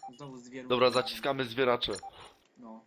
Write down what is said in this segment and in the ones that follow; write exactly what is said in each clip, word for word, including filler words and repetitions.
Znowu zwierzę. Dobra, zaciskamy zwieracze. No.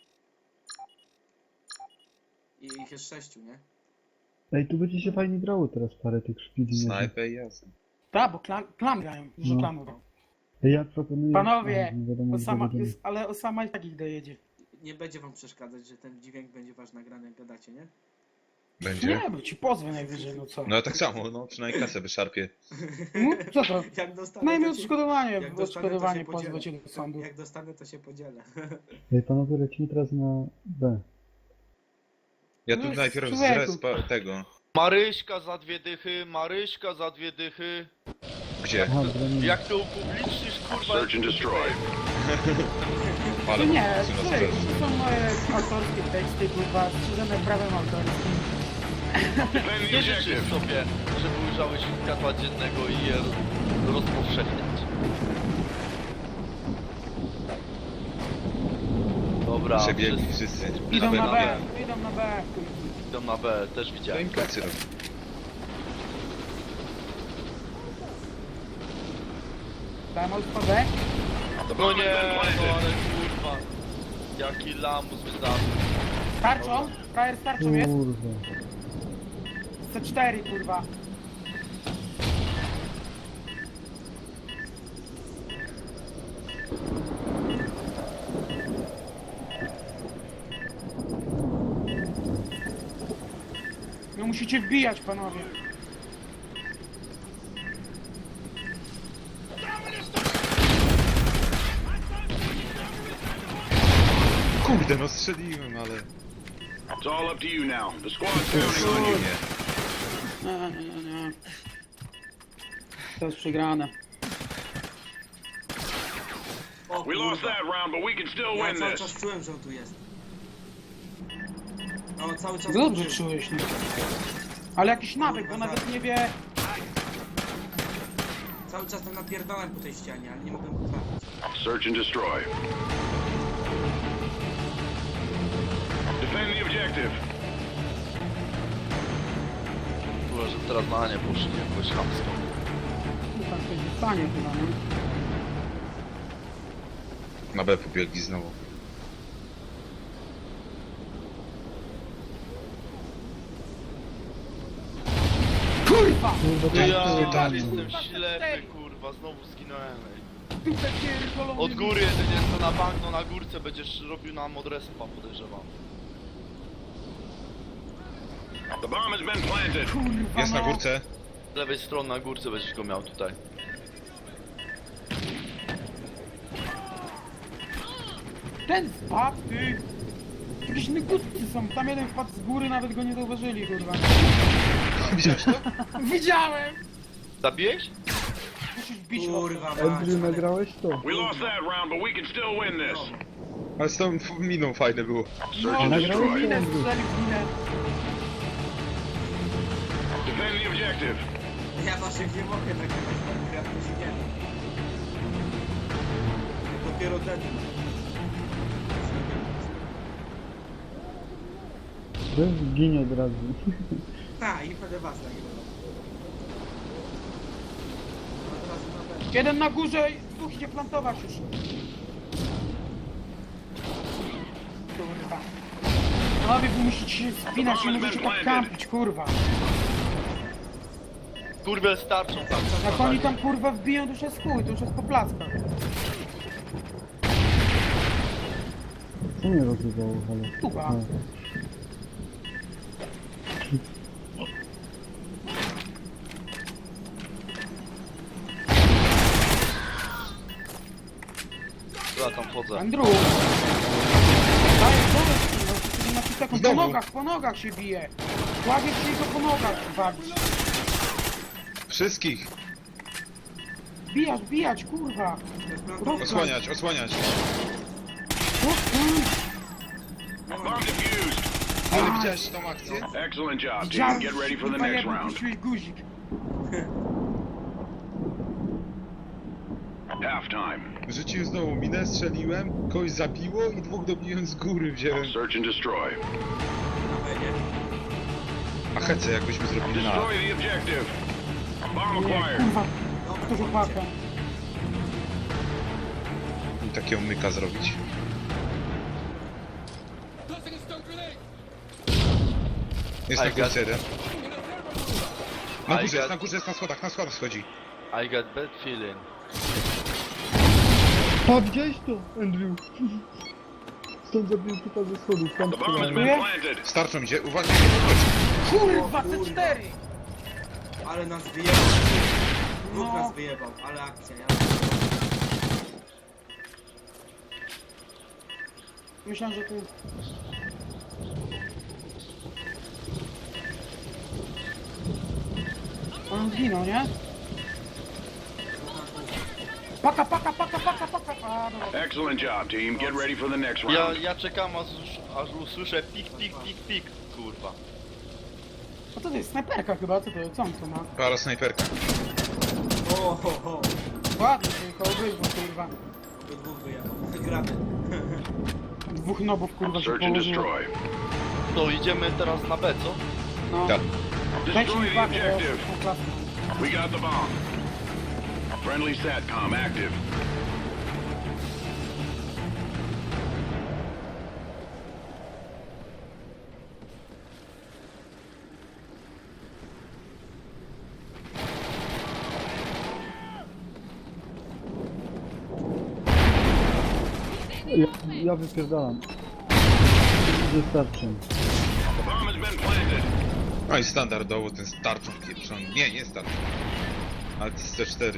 I ich jest sześciu, nie? Ej, tu będzie się fajnie grało teraz parę tych szpili. Snajper jasne. Tak, bo klan, klan grają, dużo No. klanów. Ej, ja proponuję... Panowie, A, nie wiadomo, Osama, gdzie będziemy. ale Osama i tak ich dojedzie. Nie będzie wam przeszkadzać, że ten dźwięk będzie wasz nagrany, jak gadacie, nie? Będzie? Nie, bo ci pozwę najwyżej, no co? No tak samo, no przynajmniej kasę wyszarpie. No, co to? Jak dostanę, Najmniej to się- odszkodowanie, jak dostanę, to odszkodowanie się podzielę. pozwę cię do sądu. Jak dostanę, to się podzielę. Ej, panowie, lecimy teraz na B. Ja No tu jest najpierw z człowieku. respa tego. Maryśka za dwie dychy, Maryśka za dwie dychy. Gdzie? Aha, bronimy. Jak to upublicznisz, kurwa... Search and destroy. Ale Nie, syna słuchaj, stres. to są moje autorskie teksty, kurwa, strzeżone prawem autorskim. Defend the Nie życzysz objective. sobie, żeby ujrzałeś światła dziennego i je rozpowszechniać. Dobra, Przebiegli wszyscy wszyscy. Idą Aby na na B, B. idą na B. idą na B, też To widziałem. im plecy robi. Dałem alfa B. No nie, no ale kurwa. Jaki lamus wydarzy. Tarczą? Frajer z tarczą jest? Kurwa. C cztery, kurwa. No musicie wbijać, panowie. Kurde, no strzeliłem, ale... It's all up to you now. The squad's counting on you. Nie. Nie, nie, nie, nie. To jest przegrane. O, We lost kurwa. that round, but we can still Ja win cały this. czas czułem, że on tu jest. No, cały czas Dobrze tu był. czułeś, nie? Ale jakiś nawyk, bo nawet nie wie... Cały czas tam napierdałem po tej ścianie, ale nie mogłem go trafić. Search and destroy. Defend the objective. Kurwa, że teraz na nie poszli jakoś chamsko. No tam coś zostanie chyba, nie? Na B pobiegli znowu. Kurwa! Kurwa, Ty, tam ja tam. jestem ślepy, kurwa, znowu zginąłem. ej. Dupę pierdoloną. Od góry jedynie jest to na bank, no na górce będziesz robił nam od respa, podejrzewam. The bomb has been planted. Kurwa, Jest na no. górce. Z lewej strony na górce będziesz go miał tutaj. Ten spadł, ty! Jakieś nygutki są, tam jeden wpadł z góry, nawet go nie zauważyli, kurwa. Widziałeś to? Widziałem! Zabiłeś? Musisz bić Kurwa, mać, Andrew, ale- nagrałeś to? We lost that round, but we can still win this. Ale z tą miną fajne było. No, and Nagrałeś destroy. to, minę Andrew? strzelił, minę. Defend the objective. Ja waszych nie mogę nagrywać, bo ja to się nie da. Dopiero ten. Weź ginie od razu. Ha, i będę was nagrywał. Od razu na pewno. Jeden na górze, dwóch idzie plantować już. Kurwa. Panowie, wy musicie się spinać, nie możecie tak kampić, kurwa. Kurwa, starczą tam. Jak oni tam kurwa wbiją, to już jest chuj, to już jest po plackach. Co mnie rozrywało, ale... Kuba. No. Ja tam chodzę. Andrew! Daj, powiedz, kurwa, siedemnaście sekund, po Znowu. nogach, po nogach się bije. Łagiesz się i go po nogach wabisz. Wszystkich! Bijać, bijać, kurwa. Osłaniać, osłaniać. O, kurwa. Bomb defused. Ale widziałeś tą akcję? Excellent job, team. Widziałem, Get ready for the kurwa, next jebem, round. puściłeś guzik. Half time. Rzuciłem znowu minę, strzeliłem, kogoś zabiło i dwóch dobiłem z góry wziąłem. Search and destroy. Na B, nie? A hece jakbyśmy zrobili na... Destroy the objective. Bomb Nie, acquired. kurwa, Dobra, to chłopaka. takiego myka zrobić. Jest na I got- końcu jeden. Na I górze jest, got- na górze jest, na schodach, na schodach schodzi. I got bad feeling. Pa, widziałeś to, Andrew? Stąd zabiłem typa ze schodów, tam The bomb has strzelałem. been Yeah. planted. Starczą idzie, uwaga! Kurwa, O kurwa. C cztery! Ale nas wyjebał. Dwóch No. nas wyjebał, ale akcja, ja. Myślałem, że tu... On zginął, nie? Paka, paka, paka, paka, paka! A, dobra. Excellent job, team. Get ready for the next Ja, round. ja czekam aż, aż usłyszę pik, pik, pik, pik, kurwa. A to jest snajperka chyba, co to, co on to ma? Para snajperka. O, ho, ho. Ładnie, tylko obydwu, kurwa. Do dwóch wyjebał. Wygramy. Dwóch nobów, kurwa, się Search and położyło. destroy. To idziemy teraz na B, co? No. Tak. Dajcie Destroy mi the pakę, bo objective. są klasy. We got the bomb. Friendly SATCOM active. Ja, ja wypierdalam. Wystarczy. The bomb has been planted. No i standardowo ten starczą pieprzony. Nie, nie starczą. Ale to jest C cztery.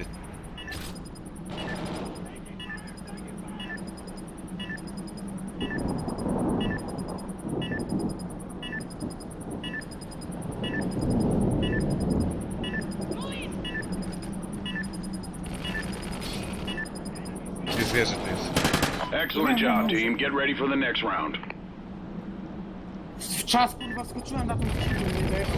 Jest wieży, to jest. Excellent job, team. Get ready for the next round. W czas, kurwa, skoczyłem na tą skrzynkę, nie dojechał.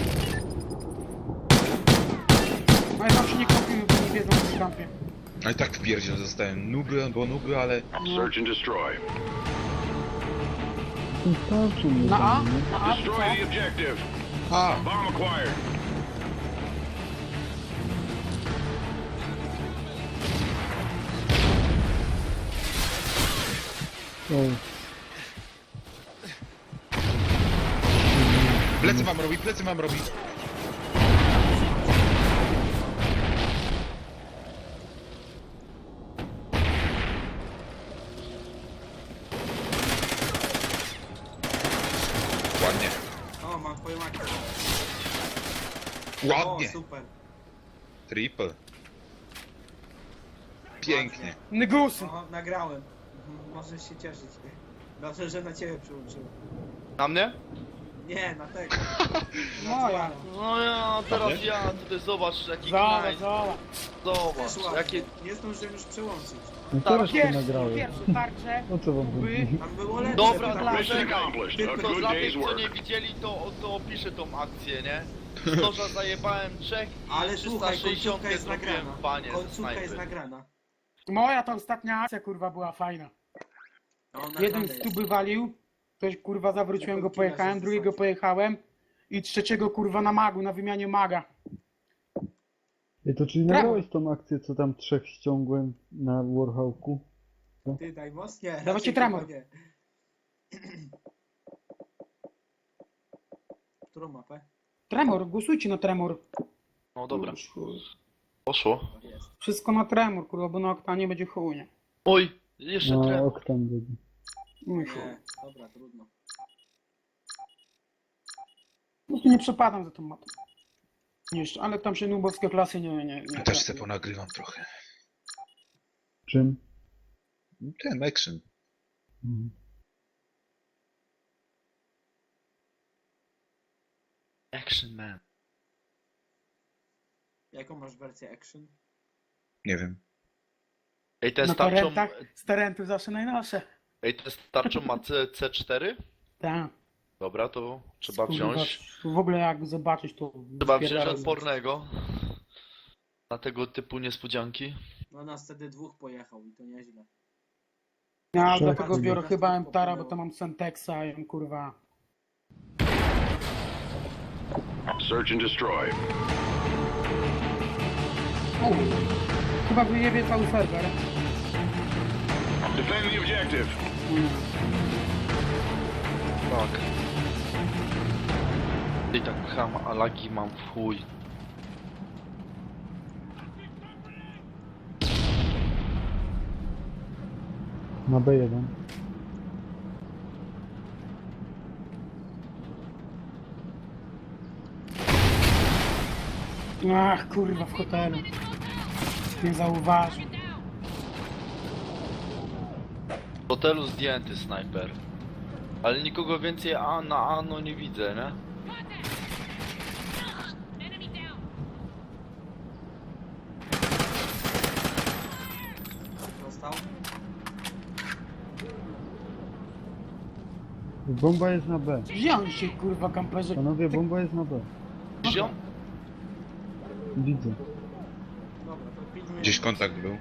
No ja tam się nie kąpimy, bo nie wiedzą, co w kampie. A i tak w pierdziel zostałem. Nuby albo nuby, ale... Search and destroy. Tym starczą mnie Na A? tam, nie? Na A? Destroy the objective. A! Bomb acquired. O, Plecy wam robi, plecy wam robi. Ładnie. O, mam twoją akcję. Ładnie. O, super. Triple. Pięknie. Nygusy! O, nagrałem. Mhm, możesz się cieszyć. Dobrze, że na ciebie przyłączyłem. Na mnie? Nie, na tego. Moja. No ja, teraz ja, tutaj zobacz jaki Zobacz, knajt. zobacz. Zobacz, Też ładnie. jakie... Nie zdążyłem już przyłączyć. no Tak, teraz to Pierwszy, nagrałem. pierwszy tarcze. O co wam Wy. chodzi? Tam było lepsze. Dobra, tam dla było- Mission czekaj. accomplished. A To good dla day's tych, co nie work. widzieli, to, to opiszę tą akcję, nie? Storza zajebałem trzech i Ale słuchaj, trzysta sześćdziesiąt końcówka jest zrobiłem nagrana. panie Końcówka jest snajpy. nagrana. Moja ta ostatnia akcja, kurwa, była fajna. No, Jeden nagrane z jest. tuby walił, ktoś, kurwa, zawróciłem go, Jaką killa pojechałem, się drugiego zasadził. pojechałem i trzeciego, kurwa, na magu, na wymianie maga. Ej, to czyli Brawo. nagrałeś tą akcję, co tam trzech ściągłem na Warhawku? Ty daj mocnie. Dawajcie raczej tremor. chyba nie. Którą mapę? Tremor, głosujcie na tremor. No dobra, Już, chuj. poszło. O, jest. Wszystko na tremor, kurwa, bo na oktanie będzie chuj, nie? Oj, jeszcze No, tremor. oktan będzie. Mój chuj. Nie, dobra, trudno. Po prostu nie przepadam za tą mapą. Jeszcze, ale tam się nubowskie klasy nie... nie, nie Też se ponagrywam trochę. Czym? Ten action. Mhm. Action man. Jaką masz wersję action? Nie wiem. Ej, ten Na starczą... torrentach z torrentów zawsze najnowsze. Ej, ten starczą ma C, C4? Tak. Dobra, to trzeba Kurwa, wziąć. W ogóle jak zobaczyć to... Trzeba wziąć spierdalaj. odpornego. Na tego typu niespodzianki. No nas wtedy dwóch pojechał i to nieźle. Ja Czekaj. dlatego biorę Czekaj. chyba Emtara, bo to mam Sentexa i on, kurwa... Search and destroy. U, chyba wyjebie cały serwer. Defend the objective. Tak. I tak ham, a lagi mam w chuj. Na B jeden. Ach, kurwa, w hotelu. Nie zauważył. W hotelu zdjęty snajper. Ale nikogo więcej a na ano nie widzę, nie? Dostał? Bomba jest na B. Wziął się, kurwa, kamperze. Panowie, bomba jest na B. Ziom? Widzę. Dobra, to pilnuję. Gdzieś kontakt był.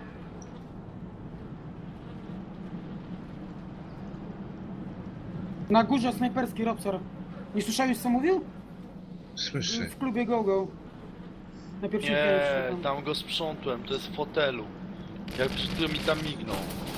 Na górze snajperski Robsor. Nie słyszałeś, co mówił? Słyszę. W klubie GoGo. Na pierwszym Nie, piętrze tam. tam go sprzątłem, to jest w hotelu. Jak przed chwilą mi tam mignął.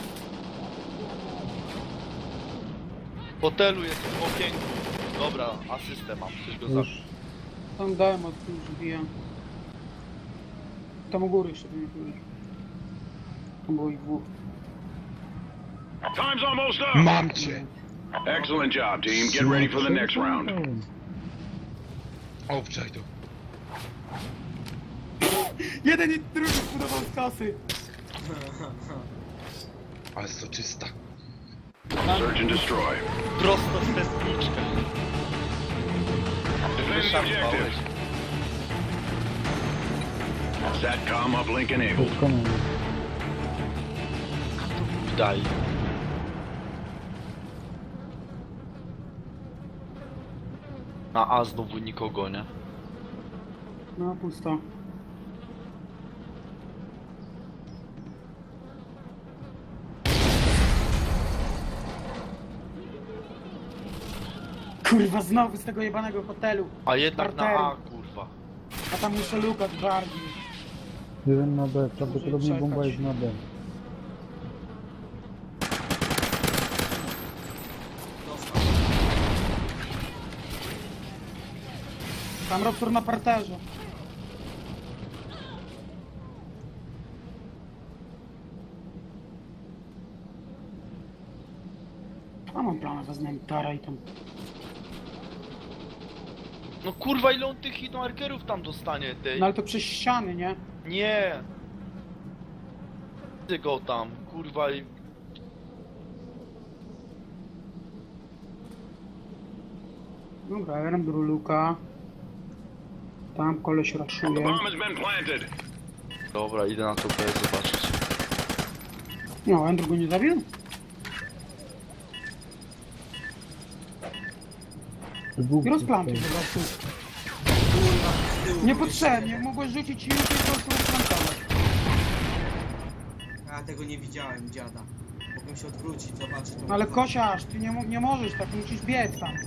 W hotelu jest w okienku. Dobra, asystę mam, ktoś go zabił. Już. Tam dałem od tu już bija. Tam u góry jeszcze nie byli. Tam było ich dwóch. Time's almost up. Mam cię! Excellent job, team. Get ready for the next round. Obczaj to. Jeden i drugi zbudował z kasy. Ale soczysta. Search and destroy. Prosto w testniczkę. Defend the Wyszarpałeś. objective. Satcom uplink enabled. Doskonale. Daj. Na A znowu nikogo, nie? No, pusto. Kurwa, znowu z tego jebanego hotelu. A jednak na Parteru. A, kurwa. A tam muszę lukać bardziej. Jeden na B. Prawdopodobnie czekać. bomba jest na B. Dostał. Tam Robsor na parterze. A mam plan, wezmę Tara i tam. No kurwa, ile on tych hitmarkerów tam dostanie, tej? No ale to przez ściany, nie? Nie! Ty go tam, kurwa i... Dobra, ja robię luka. Tam koleś The raszuje. bomb has been planted. Dobra, idę na to B zobaczyć. No, Andrew go nie zabił? Dwóch I rozplantuj tutaj. po prostu. Kurwa, z tyłu. Niepotrzebnie, mogłeś rzucić i już po prostu rozplantować. A tego nie widziałem, dziada. Mogłem się odwrócić, zobaczyć. to No ale było- kosiarz, ty nie, mo- nie możesz tak, musisz biec tam.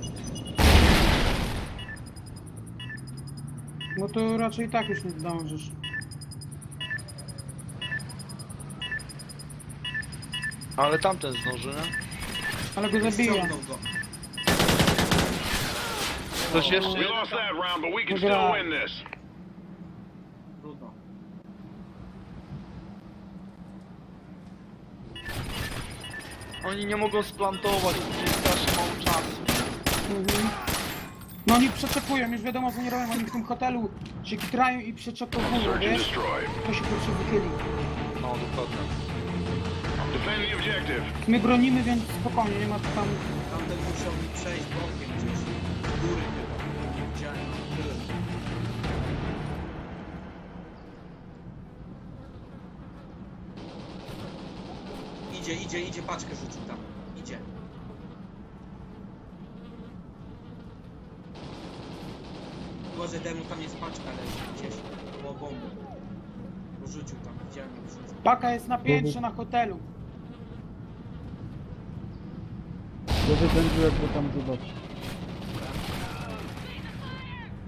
No to raczej tak już nie zdążysz. Ale tamten zdąży, nie? Ale go zabija. Ściągnął go. Ktoś jeszcze We jeden lost tam? that round, but we can Dobra. still win this. Trudno. Oni nie mogą splantować, bo jest strasznie mało czasu. Mhm. No oni przeczepują, już wiadomo co nie robią, oni w tym hotelu się kitrają i przeczepowują, Search and wiesz? destroy. To się pierwszy wychyli. No, dokładnie. Defend the objective. My bronimy, więc spokojnie, nie ma co tam... Tamten musiał mi przejść bokiem gdzieś. Z góry chyba. Nie widziałem, no tyle. Idzie, idzie, idzie, paczkę rzucił tam. Idzie. Może demu tam jest paczka leży gdzieś. Było bomby. Rzucił tam, widziałem jak rzucił. Paka jest na piętrze na hotelu. Głowy będzie, jak go tam zobaczy.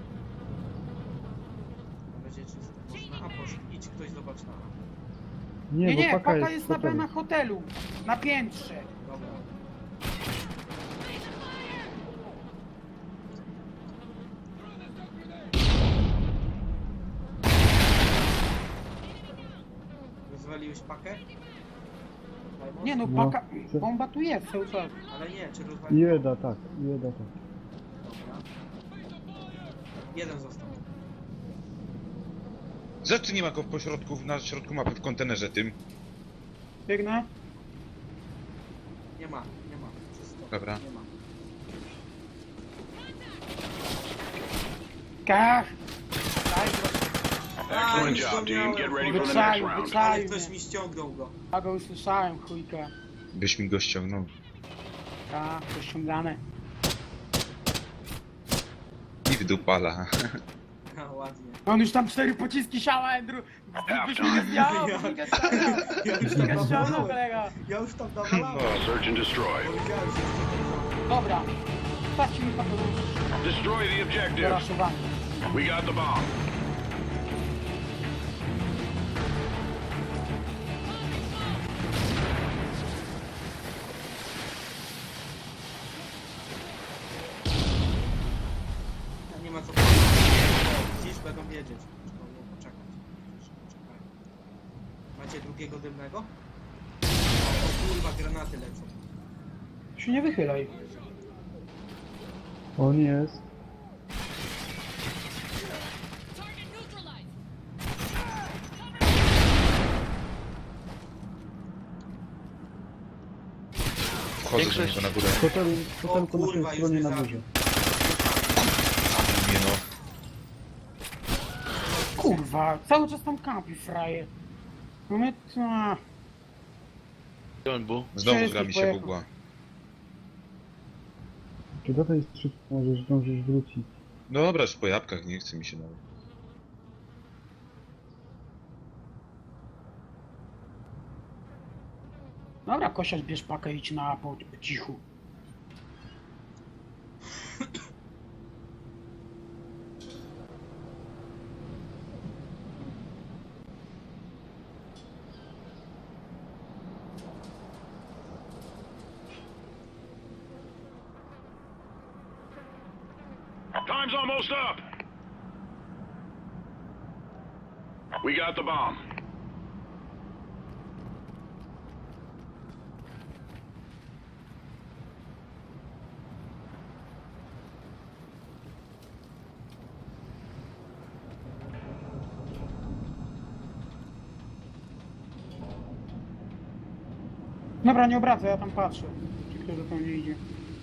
To będzie czysto. Może na A poszli. Idź ktoś zobacz na A. Nie, Nie, bo nie, paka, paka jest, jest w na B hotelu. na hotelu. Na piętrze. Dobra. Rozwaliłeś pakę? Diamond? Nie no, No. paka... Bomba tu jest cały czas. Ale nie, czy rozwaliłeś? Jeda, tak, jeda, tak. Dobra. Jeden został. Rzeczy nie ma go w pośrodku, na środku mapy, w kontenerze tym. Biegnę. Nie ma, nie ma. Wszystko. Dobra. Nie ma. Kach! Daj go. Excellent już job, go team. Get miałem. ready for the next Wyczaił, round. wyczaił Ale ktoś mnie. mi ściągnął go. Ja go usłyszałem, chujka. Byś mi go ściągnął. Tak, to ściągane. I w dupala. Ha, ładnie. On już tam cztery pociski siała, Andrew. Byś mi nie zjał, Ja- byś mi nie ściągnął. Ja już Byś mi tam nie ściągnął, nawalałem. kolega. Ja już tam nawalałem. Search and destroy. Powiedziałem, że jest to Dobra. Stawcie mi pakę Destroy the do objective. raszowania. We got the bomb. Ja nie ma co powiedzieć. Dziś będą wiedzieć. Trzeba było poczekać. Poczekaj. Macie drugiego dymnego? O kurwa, granaty lecą. Się nie wychylaj. On jest. Wchodzę do niego na górę. W hotelu, w hotelu po O naszej kurwa, już stronie mnie na zabił. górze. Nie no. Kurwa, cały czas tam kampi fraje. No my... A, Gdzie on był? Znowu Wszystkich gra mi się pojechał. bugła. Czy do tej strzyk możesz zdążyć wrócić? No dobra, już po jabłkach, nie chce mi się nawet. dobra, Kosiarz, bierz pakę i idź na po, po cichu. Time's almost up. We got the bomb. Dobra, nie obracaj, ja tam patrzę. Czy ktoś do tam nie idzie.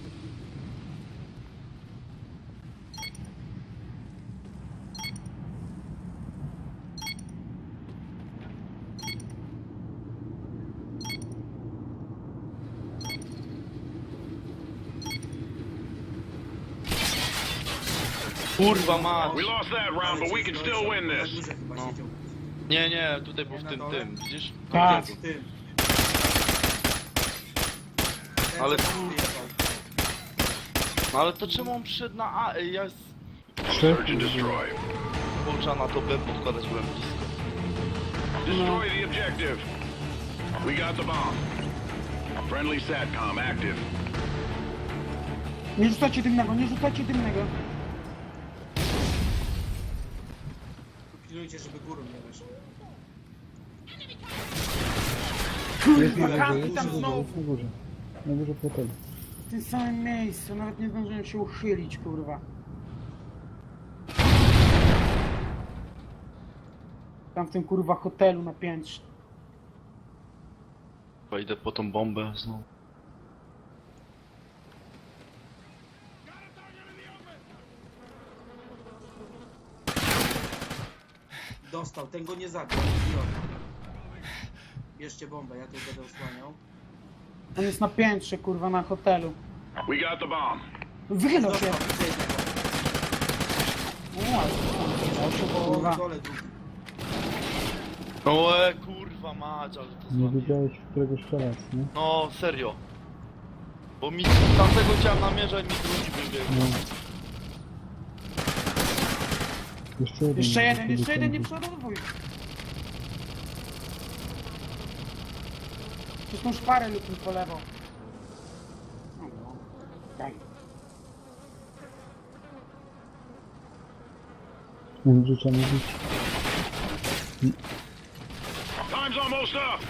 Kurwa mać! We lost that round, but we can still win Na this. górze chyba No. siedział. Nie, nie, tutaj był Nie w na tym, dole? tym. Widzisz? Tak. Drugiego. Tym. Ten, Ale co tam kur- wyjechał. No ale to czemu on przyszedł na A? Ej, ja z Trzech Search and destroy. Połcza na to B podkładać byłem blisko. Destroy the objective. We got the bomb. Friendly SATCOM active. Nie rzucajcie dymnego, nie rzucajcie dymnego. Pilnujcie, żeby górą nie weszło. Jest na Kurwa, górze, kampi jest tam na górze, znowu. jest na górze. Na górze w hotelu. W tym samym miejscu, nawet nie zdążyłem się uchylić, kurwa. Tam w tym kurwa hotelu na piętrze. Chyba idę po tą bombę znowu. Dostał, ten go nie zabił. Idiota. Bierzcie bombę, ja tu będę osłaniał. On jest na piętrze, kurwa, na hotelu. We got the bomb. Wychylał się. Dostał, widzę jednego. O, ale się, O, kurwa. na dole drugi. No e, kurwa mać, ale to Nie złamie. wiedziałeś, w którego strzelać, nie? No serio. Bo mi tamtego chciałem namierzać, mi drugi wybiegł. No. Jeszcze jeden. Jeszcze jeden, Kiedy jeszcze jeden, nie kończy. przeładowuj. Przez tą szparę lub mi po lewo. No, no. Daj. Andrew trzeba mówić. Time's almost up.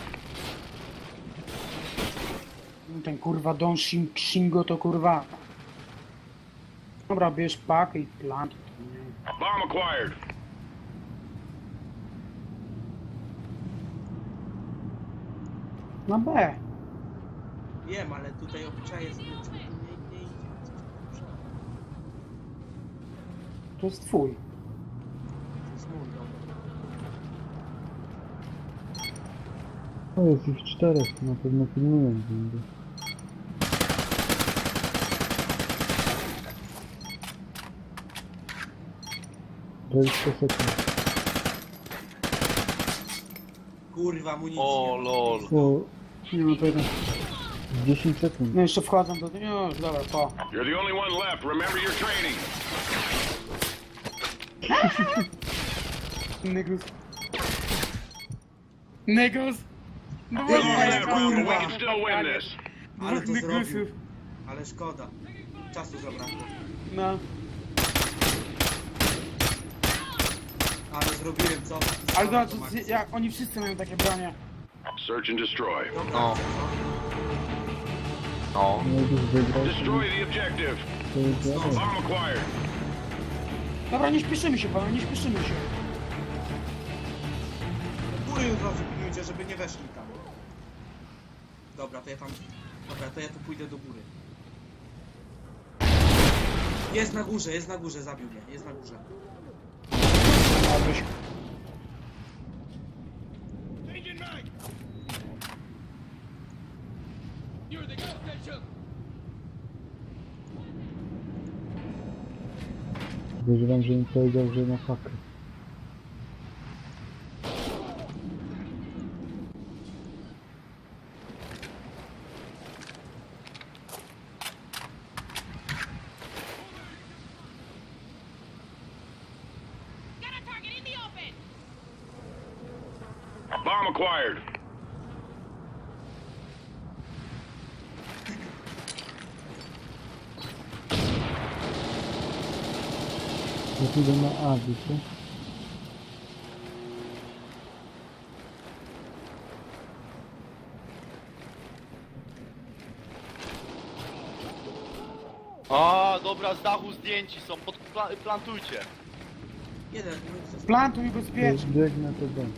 Ten kurwa Don Shin- Shingo to kurwa. Dobra, bierz pakę i plant. Bomb acquired. Na B. Wiem, ale tutaj obczaję sobie, czy tu nie, nie idzie. Coś tam To jest twój. To jest mój, dobra. O, jest ich czterech, na pewno pilnują będę. dwadzieścia sekund. Kurwa, amunicji. O, nie ma. lol. O, Nie no to jeden. dziesięć sekund. No jeszcze wchodzą do... Już, dobra, po. You're the only one left. Remember your training. Negus. Negus! No Nie, One left, kurwa. but we can still win this. Ale to Dwóch zrobił. Negusów. Ale szkoda. Czasu zabrakło. No. Ale zrobiłem, co? Ale Dobra, zobacz, to Max. jak oni wszyscy mają takie bronie. Search and destroy. Dobra, No. No. No już wygrał, Destroy the objective. to jest wiadomo. Bomb acquired. Dobra, nie śpieszymy się, panowie, nie śpieszymy się. góry od razu pilnujcie, żeby nie weszli tam. Dobra, to ja tam... Dobra, to ja tu pójdę do góry. Jest na górze, jest na górze, zabił mnie, jest na górze. Abyś... Podejrzewam, że im powiedział, że na hakę. Bomb acquired. Ja pójdę na A, wiecie? A, dobra, z dachu zdjęci są, pod, pla, plantujcie. Jeden, no i co? Plantuj bezpiecznie. Biegnę to B.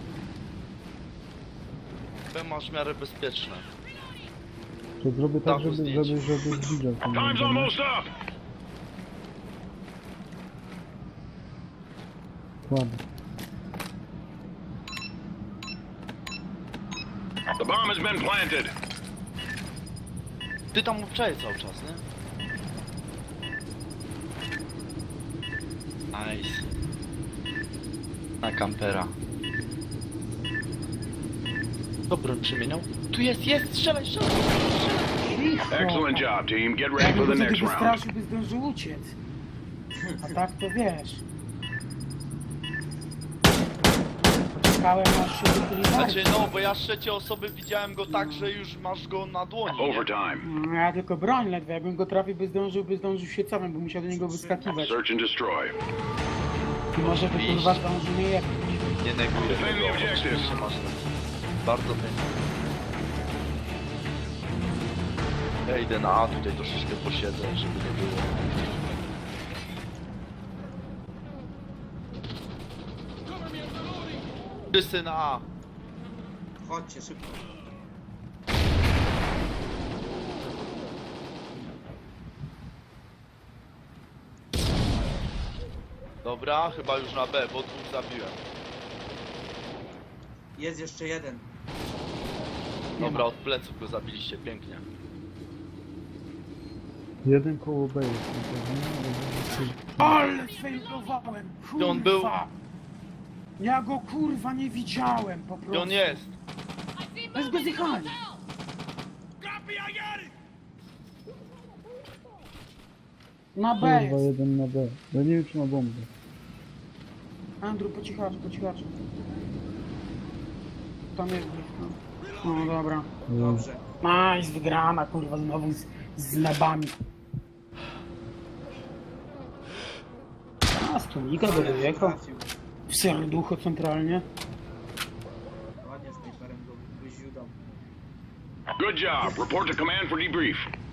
B masz w miarę bezpieczne. To zrobię tak, Dachu żeby, zdjęć. żeby, żeby widział ten Time's będę. almost up. Ładnie. The bomb has been planted. Ty tam obczaje cały czas, nie? Nice. Na kampera. Dobra, przemieniał. Tu jest, jest, strzelaj, strzelaj! Excellent job, team. Get ready Jakby for go the wtedy next round. wystraszył, by zdążył uciec. A tak to wiesz. Czekałem aż się wychyli Znaczy no, bo ja z trzeciej osoby widziałem go tak, że już masz go na dłoni. nie? Overtime. No, ja tylko broń ledwo, jakbym go trafił, by zdążył, by zdążył się cofem, by musiał do niego wyskakiwać. Search and destroy. I może by kurwa zdążył mnie jechać. Nie neguję Defend tego, the objective. oczywiście masz rację. Bardzo pięknie. Ja idę na A, tutaj troszeczkę posiedzę, żeby nie było. Wszyscy na A. Chodźcie, szybko. Dobra, chyba już na B, bo dwóch zabiłem. Jest jeszcze jeden. Dobra, od pleców go zabiliście, pięknie. Jeden koło B jest. No, Ale sfejlowałem! Kurwa! on był? Ja go kurwa nie widziałem po Gdzie prostu. on jest? Bez go zjechali. Na B kurwa, jest. jeden na B. Ja nie wiem, czy ma bombę. Andrew, po cichaczu, po cichaczu. Tam jest gdzieś, no. No dobra. Dobrze. Nice, wygrana, kurwa, znowu z, z nabami. A, stunika do dojechał. trafił. W serducho centralnie. Ładnie snajperem go wyziudał. Good job. Report to command for debrief.